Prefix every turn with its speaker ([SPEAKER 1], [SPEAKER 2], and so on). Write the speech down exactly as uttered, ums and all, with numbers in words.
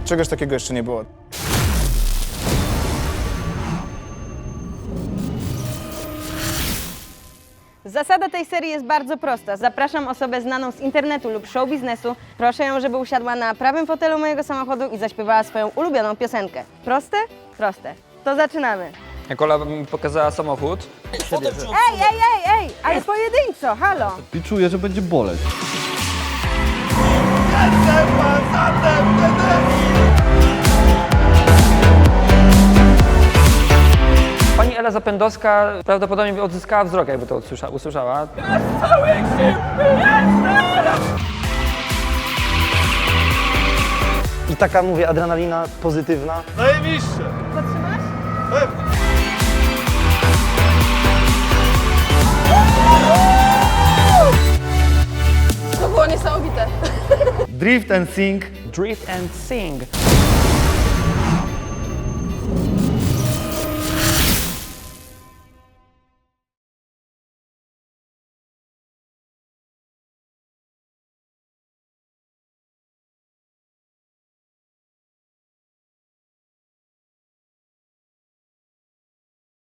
[SPEAKER 1] Czegoś takiego jeszcze nie było.
[SPEAKER 2] Zasada tej serii jest bardzo prosta. Zapraszam osobę znaną z internetu lub show biznesu. Proszę ją, żeby usiadła na prawym fotelu mojego samochodu i zaśpiewała swoją ulubioną piosenkę. Proste? Proste. To zaczynamy.
[SPEAKER 3] Jak Ola mi pokazała samochód,
[SPEAKER 2] Ej, ej, ej, ej! Ale pojedynczo, halo!
[SPEAKER 4] I czuję, że będzie boleć.
[SPEAKER 3] pani Ela Zapędowska prawdopodobnie odzyskała wzrok, jakby to usłysza, usłyszała.
[SPEAKER 5] I taka, mówię, adrenalina pozytywna.
[SPEAKER 2] Podtrzymasz?
[SPEAKER 6] To było niesamowite.
[SPEAKER 5] Drift and sing.
[SPEAKER 3] Drift and sing.